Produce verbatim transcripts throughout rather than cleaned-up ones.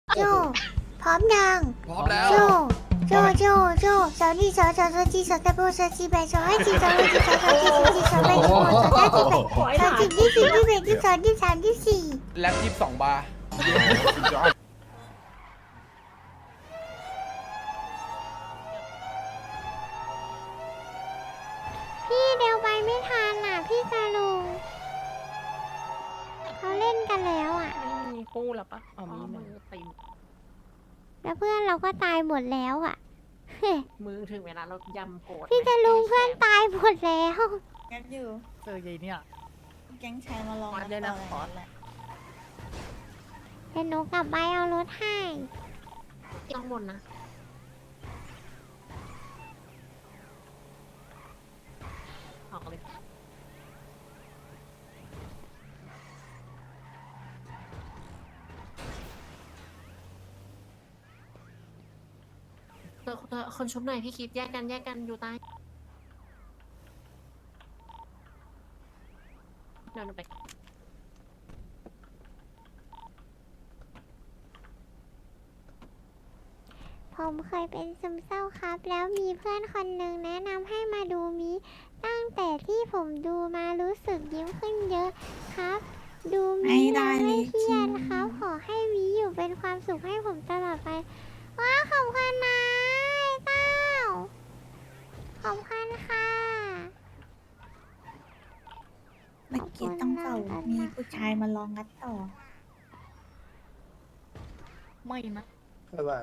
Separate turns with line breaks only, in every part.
โจพร้อมยัง
พร้อมแล้ว
โจโจโจโจสาวนี่สาวสาวสาวจีสาวตะโบสาวจีแบสาวให้จีสาวให้จีสาวสาวจีสาวจีสาวแบสาวสาวจีแบสาวจีที่สี่ที่แบที่สองที่สามที่สี่
แล็บยี่สิบสองบาร์
พี่เดี๋ยวไปไม่ทันอ่ะพี่กาลุงเขาเล่นกันแล้วอ่ะ
ไม่มีคู่แล้วปะอ๋อมีมือตี
แล้วเพื่อนเราก็ตายหมดแล้วอ่ะ
มือถึงเวลาเรายำโกรธ
พี่จะลุงเพื่อนตายหมดแล้ว
แก๊งอยู่
เจอใหญ่เนี่ย
แก๊งชายมาลอง
มาเลยนะขอแหละ
เดี๋ยวหนูกลับไปเอารถให้
ต้องบนนะออกเลยเธอเธอคนชุบหน่อยพี่คิดแยกกันแยกกันอยู่ใต้เดินไป
ผมเคยเป็นซึมเศร้าครับ แล้วมีเพื่อนคนหนึ่งแนะนำให้มาดูมิตั้งแต่ที่ผมดูมารู้สึกยิ้มขึ้นเยอะครับ ดูมิแล้วไม่เครียดครับ ขอให้มิอยู่เป็นความสุขให้ผมตลอดไปว้าขอบคุณนะไอ้เต้าขอบคุณค่ะ
เมื่อกี้ต้องเป่ามีผู้ชายมาลองงัดต่อ
ไม่นะ
บ๊ายบาย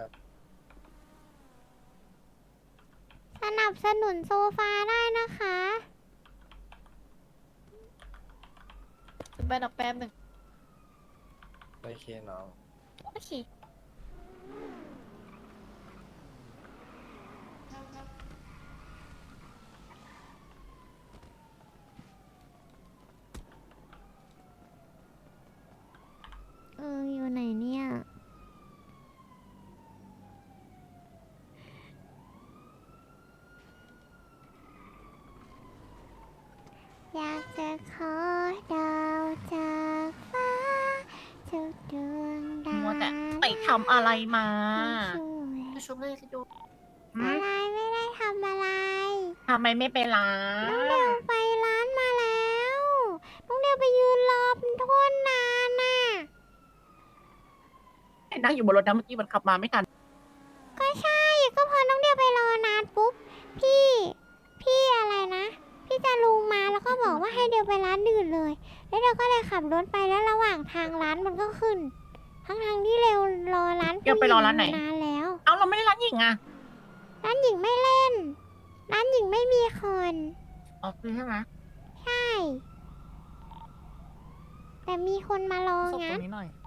สนับสนุนโซฟาได้นะคะ
ไปนักแป๊บหนึ่ง
โอเคน้อง
โอเค
เอออยู่ไหนเนี่ย อยากจะขอดาวจากฟ้าทุกดวงดาว
มัวแต่ไปทำอะไรมา
ช่วย
ชุบเลยสิดู
อะไรไม่ได้ทำอะไร
ทำไมไม่ไปล้า
น้องเดียวไปร้านมาแล้วน้องเดียวไปยืนรอเป็นโทษนานน่ะ
นั่งอยู่บนรถนะเมื่อกี้มันขับมาไม่ทัน
ก็ใช่ก็พอน้องเดียวไปรอนานปุ๊บพี่พี่อะไรนะ พี่จะลุงมาแล้วก็บอกว่าให้เดียวไปร้านอื่นเลย แล้วเดียวก็เลยขับรถไปแล้วระหว่างทางร้านมันก็ขึ้น ทั้งทางๆที่เร็วรอร้าน
เดี๋ยวไปรอร้านไหน
นานแล้ว
เอาเราไม่ได้ร้านหญิงอ่ะ
ร้านหญิงไม่เล่น ร้านหญิงไม่มีคน
อ๋อคือใช่ไหม
ใช่ แต่มีคนมารอ
ศพตร
งัด
งนี้หน่อย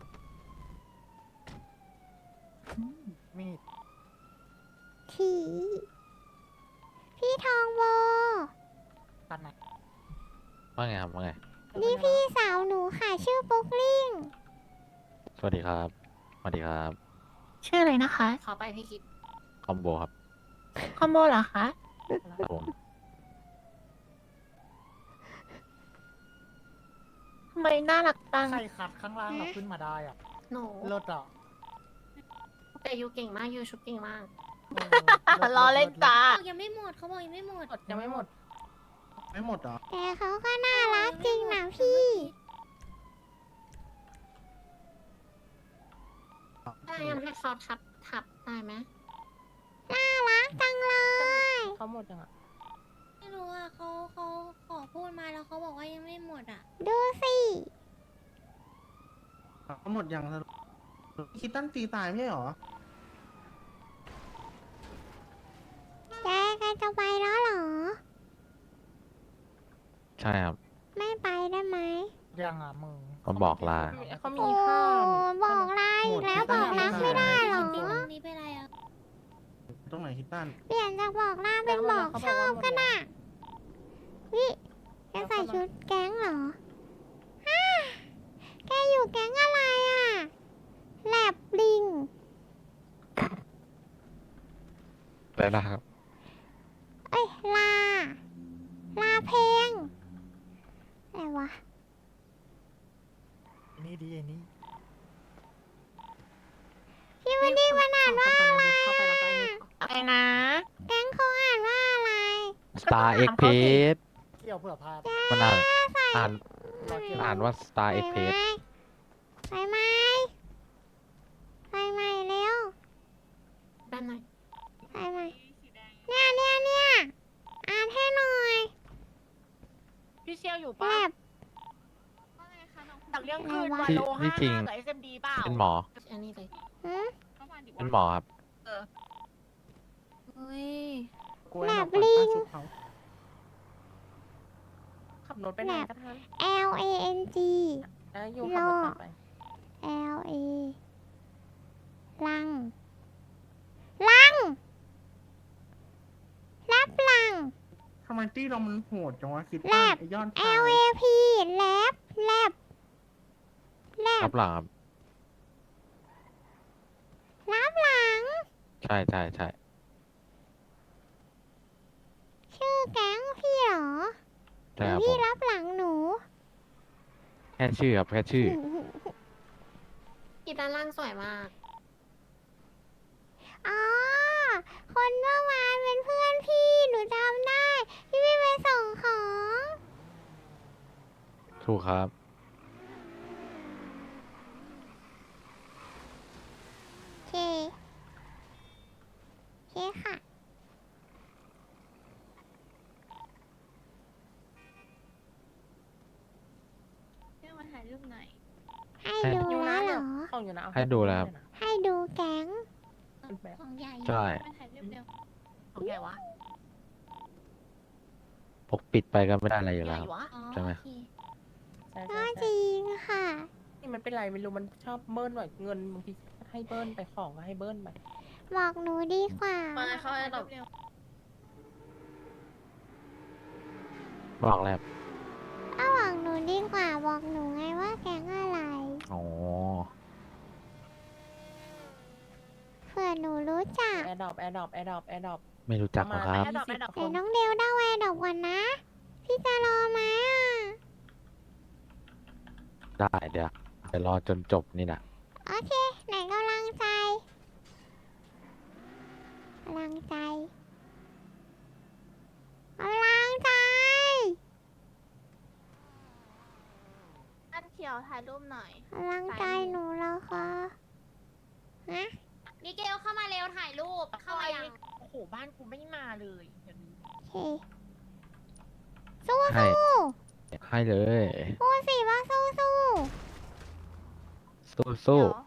อืมมีด
ผีพี่ทองโว
ตันไหน
ว่าไงครับว่าไง
นี่พี่สาวหนูค่ะชื่อปุ๊กลิ่ง
สวัสดีครับ สวัสดีครับ
ชื่ออะไรนะคะ ขอไปพี่คิด
คอมโบครับ
คอมโบเหรอคะ
ครับผม
ทำไมน่ารักจัง
ใครขัดข้างล่างเราขึ้นมาได้อ่ะ
หนู
รถอ่ะ
แต่ยูเก่งมากยูชุบเก่งมาก
เออ
ล้อเล่นจ้า
บอกยังไม่หมดเขาบอกยังไม่หมด
ยังไม่หมด
ไม่หมดเหรอ
แต่เขาก็น่ารักจริงนะพี่
ได้ยังให้เขาทับทับได้ไหม
น่ารักจังเลย
เขาหมดยังอ่ะ
ไม่รู้อ่ะเขาเขาขอพูดมาแล้วเขาบอกว่ายังไม่หมดอ่ะ
ดูสิ
หมดยังสรุปคิดตั้นตีตายไม่ใช่เหรอ
แกแกจะไปแล้วเหรอ
ใช่ครับ
ไม่ไปได้ไหม
ยังอ่ะมึง
ก็บอกลา
เขา
โอ้
มีค่า
บอกลาอีกแล้วบอกรักไม่ได้เหรอ
จริงๆตรงนี้เป็นไรอ่ะ
ตรงไหนคิดตั้น
เปลี่ยนจากบอกลาเป็นบอกชอบก็ได้วิแกใส่ชุดแก๊งเหรอฮ่าแกอยู่แก๊งอะไรอ่ะแลบลิง
แล้วนะครับ
เอ้ยลา ลาเพลงอะไรวะ
นี่ดีไอ้นี่
นะ
แก๊งเขาอ่านว่าอะไร
Star X p a g e
เกี่ยวเผื่อพลาด
มันอ่านอ่าน
เราเกี่ยว
อ่านว่า Star
ไป
X
ไหม
p a g e
ไปไหมไปไหมเร็ว
ด้านใน
ไปไหมเนี่ยเนี่ยเนี่ยอ่านให้หน่อย
พี่เชียวอยู่
แบ
ปะ
บ
จากเรื่องคืน
อะไรวะ
วา
ที่
โล
ที่
ห้า
จริง
กับ เอส เอ็ม ดี เปล่า
เป็นหมอ
อันนี้เลย
หืม
เป็นหมอครับ
เฮ้ย
กลัวเราปั่นป้าชุบเขา
ขับรถไปไหนกันทัน
L A N G
แล้วอยู่ขับรถกลับไป
L A ลัง ลัง รับลัง
ทำไมตี้เรามันโหดจังวะคิด
แล
ตั้ง
บ
ไอ้ยอด
L A P แลบแลบแล
รั
บบ
หลังครับ
รับหลัง
ใช่ใช่ใช่
ชื่อแก๊งพี่เหรอห
ใช่
รือ
ครับผ
พี่
ม
รับหลังหนู
แค่ชื่อครับแค่ชื่อ
กีด้านล่างสวยมาก
อ๋อ คนเมื่อวานเป็นเพื่อนพี่ หนูจำได้ พี่พี่ไปส่งของ
ถูกครับ
โอเค โอเคค่ะ
เพื่อมาถ่ายรูปหน่อย
ให้
ให้
ดู
อยู่
แล้
นะ
วเหร
เดี๋ยว
อ
ของอยู่นะเอา
ให้ดูแล้วครับ
ให้ดูแก๊ง
ของใหญ่
ใช่
มาถ่ายรูปเร็ว
ของใหญ่วะ
ปกปิดไปก็ไม่ได้อะไรอยู่
ให
แล้ว
ญ่
ครับ
วะ
อ๋อ
ใช่ไหม
โอเค
ใช่
ก็
ใช่
จ
ใช่
ริงค่ะ
นี่มันเป็นไรไม่รู้มันชอบเบิ้ลหน่อยเงินบางทีให้เบิ้ลไปของก็ให้เบิ้ลไป
บอกหนูดีกว่า
มาเข้าไอ้ดอก
บอกแล้ว
ก็บอกหนูดีกว่า บอกหนูไงว่าแก๊งอะไร
อ๋อ
เผื่อหนูรู้จัก
แอร์ดรอปแอร์ดรอปแอร์ดรอปแอร์ดรอป
ไม่รู้จักหรอกครับ
ประมาณยี่สิบ
แต่
คน
น้องเดวได้แวร์ดอกก่อนนะ พี่จะรอไหมอ่ะ
ได้เดี๋ยวเดี๋ยวรอจนจบนี่แหละ
โอเค ไหนกำลังใจกำลังใจกำลังใจ
อันเขียวถ่ายรูปหน่อย
กำลังใจหนูแล้วค่ะฮะ
มิเกลเข้ามาเร็วถ่ายรูป เข้ามายัง
โอ้โหบ้านกูไม่มาเลยเดี๋ยวนี้
โอเค สู้
ให้
สู้
ให้เลย
พูดสิว่าสู้สู้
สู้สู้
เดี๋ยว